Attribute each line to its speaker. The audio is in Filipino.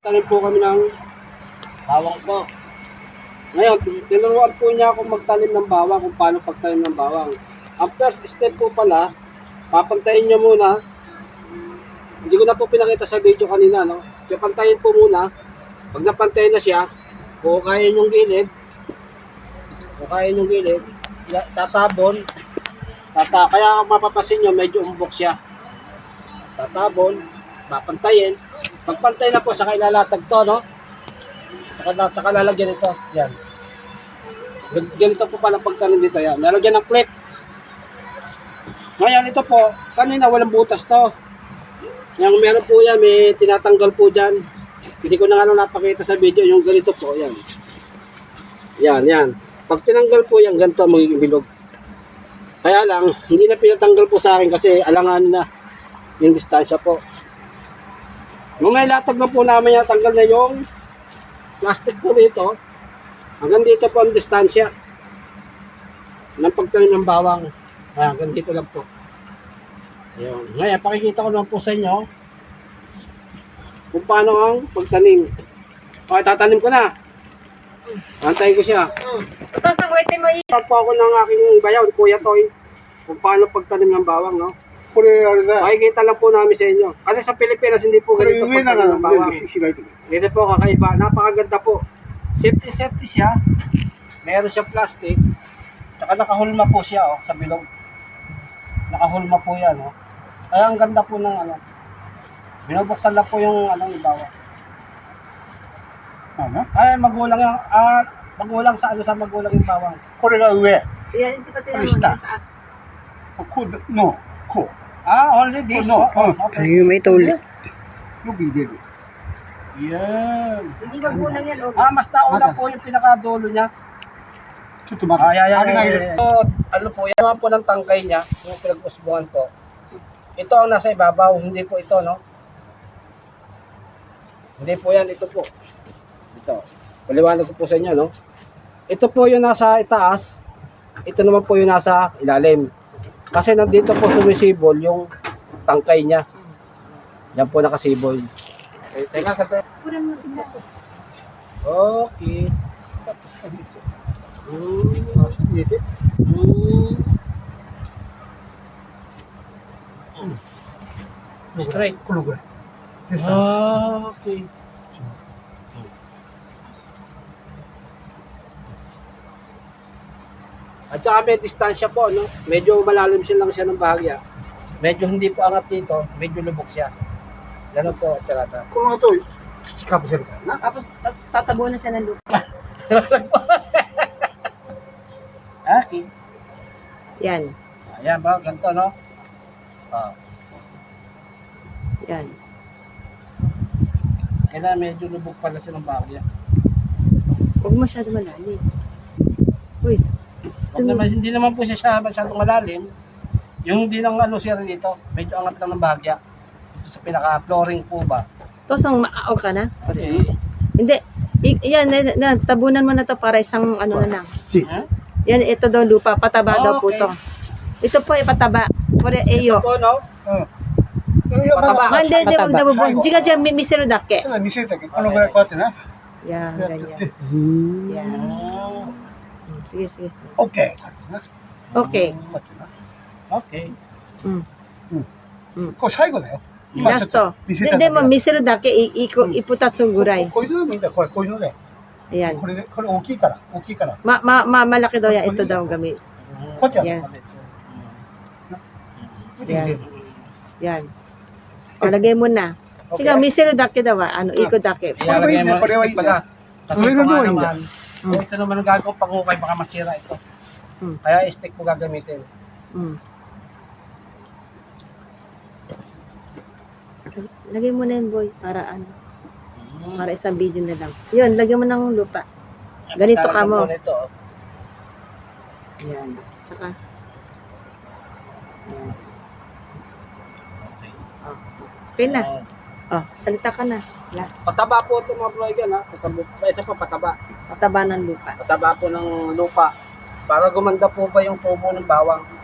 Speaker 1: Tanim po kami ng bawang po. Ngayon, tinuruan po niya akong magtanim ng bawang, kung paano pagtanim ng bawang. Ang first step po pala, papantayin niyo muna. Hindi ko na po pinakita sa video kanina, no? So, pantayin po muna. Pag napantayin na siya, kukain yung gilid. Kukain yung gilid. Tatabon. Kaya mapapasin niyo, medyo umbok siya. Tatabon. Papantayin. Pagpantay na po, saka ilalatag to, no? Saka lalagyan ito. Yan. Ganito po pala pagtanim dito. Yan. Lalagyan ng clip. Ngayon, ito po, kanina walang butas to. Yung meron po yan, may tinatanggal po dyan. Hindi ko na nga napakita sa video, yung ganito po. Yan. Yan. Pag tinanggal po yan, ganito magiging bilog. Kaya lang, hindi na pinatanggal po sa akin kasi alangan na yung distansya po. Nung nailatag na po namin yan, tanggal na yung plastic po dito. Hanggang dito po ang distansya ng pagtanim ng bawang. Hanggang dito lang po. Ayun. Ngayon, pakikita ko naman po sa inyo kung paano ang pagtanim. Okay, tatanim ko na. Antayin ko siya.
Speaker 2: Tapos ang wait mo
Speaker 1: Pag po ako ng aking bayaw, Kuya Toy, kung paano pagtanim ng bawang, no? Makikita lang po namin sa inyo. Kasi sa Pilipinas, hindi po ganito pagtanim ng bawang. Dito po kakaiba. Napakaganda po. Safety siya. Meron siyang plastic. Saka nakahulma po siya, oh, sa bilog. Nakahulma po yan, oh. Kaya ang ganda po ng ano. Binubuksan lang po yung anong bawang. Ay, magulang yan. Magulang sa sa magulang yung bawang.
Speaker 3: これが上。
Speaker 2: yan, hindi pa tinanong
Speaker 3: Basta.
Speaker 2: yung taas.
Speaker 3: こうの、こう。
Speaker 1: Only this,
Speaker 3: No,
Speaker 1: oh. Okay.
Speaker 4: Ayun, may tuli.
Speaker 3: よく入れる。
Speaker 1: Yan.
Speaker 2: Hindi magulang yan, okay.
Speaker 1: Mas nauna po yung pinakadulo niya.
Speaker 3: ちょっと待って。あれが入れる。
Speaker 1: Ano po, yan naman po ng tangkay niya, yung pinag-usbuhan po. Ito ang nasa ibabaw, hindi po ito, no? Hindi po yan, ito po. Ito. Paliwanag ko po sa inyo, no? Ito po yung nasa itaas, ito naman po yung nasa ilalim. Kasi nandito po sumisibol yung tangkay niya. Yan po nakasibol. Teka, sa
Speaker 2: Kunan mo sila.
Speaker 1: Okay. Straight.
Speaker 3: このぐらい。でさ、
Speaker 1: Okay. At saka may distansya po, no? Medyo malalim siya lang siya ng bahagya. Medyo hindi po angat dito, medyo lubog siya. Ganun po, tsarata.
Speaker 3: この後、土かぶせるからな。
Speaker 2: Tapos tatabo na siya ng lupa.
Speaker 1: Okay.
Speaker 2: Yan.
Speaker 1: Ayan ba, ganito, no?
Speaker 2: Yan.
Speaker 1: Kaya medyo lubog pala siya ng bahagya.
Speaker 2: Huwag masyado malalim. Uy.
Speaker 1: Hindi naman po siya masyadong malalim. Yung hindi lang ano siya dito, medyo angat lang ng bahagya. Dito sa pinaka-flooring po ba?
Speaker 2: Tapos ang maaw ka na?
Speaker 1: Okay.
Speaker 2: Hindi. Yan, tabunan mo na to para isang ano na lang.
Speaker 1: Huh?
Speaker 2: Yan, ito daw lupa. Pataba daw po
Speaker 1: Okay.
Speaker 2: to. Ito po, ipataba. Pure eyo.
Speaker 1: Po, no?
Speaker 3: いや、まだ、
Speaker 2: Hindi, hindi, huwag daw bubuhos. Jiga dyan, misero dake.
Speaker 3: ただ見せたけど、このぐらいこうやってな。
Speaker 2: Yan,
Speaker 3: やって
Speaker 2: ganyan.
Speaker 3: て、
Speaker 2: Yan.
Speaker 1: Oh,
Speaker 2: Sige, sige.
Speaker 3: OK。こうやってな。
Speaker 2: Okay.
Speaker 3: こうやってな。
Speaker 1: okay.
Speaker 2: Mm.
Speaker 3: これ最後だよ。ちょ
Speaker 2: Last
Speaker 3: っと
Speaker 2: to.
Speaker 3: 見せただけ
Speaker 2: Hindi mo, misero dake, iputatsu guray.
Speaker 3: こういうのでもいいんだよ。これ、こういうので。
Speaker 2: Ayan.
Speaker 3: これで、これ大きいから。大きいから。
Speaker 2: Malaki daw yan. Ito daw gamit.
Speaker 3: こっちは。
Speaker 2: Yan.
Speaker 3: これで入れる。
Speaker 2: Yan. O, lagay mo na. Sige, misero dake daw. Ano, iko dake.
Speaker 1: Ilalagay mo
Speaker 3: Pareho
Speaker 1: stick
Speaker 3: yun.
Speaker 1: pala. Kasi
Speaker 3: Pareho
Speaker 1: ito nga
Speaker 3: yun.
Speaker 1: naman, ito naman ang gagawin pangukay, baka masira ito. Kaya stick po gagamitin.
Speaker 2: Mm. Lagay mo na yun, boy. Para ano. Para isang video na lang. Yun, lagyan mo ng lupa. Ganito ka mo.
Speaker 1: Ito.
Speaker 2: Ayan. Tsaka. Ayan. Oh. Okay na. Oh, salita ka na. Last.
Speaker 1: Pataba po ito mga broigan, ha? Ito po pataba.
Speaker 2: Pataba ng lupa.
Speaker 1: Pataba po ng lupa. Para gumanda po ba yung tubo ng bawang.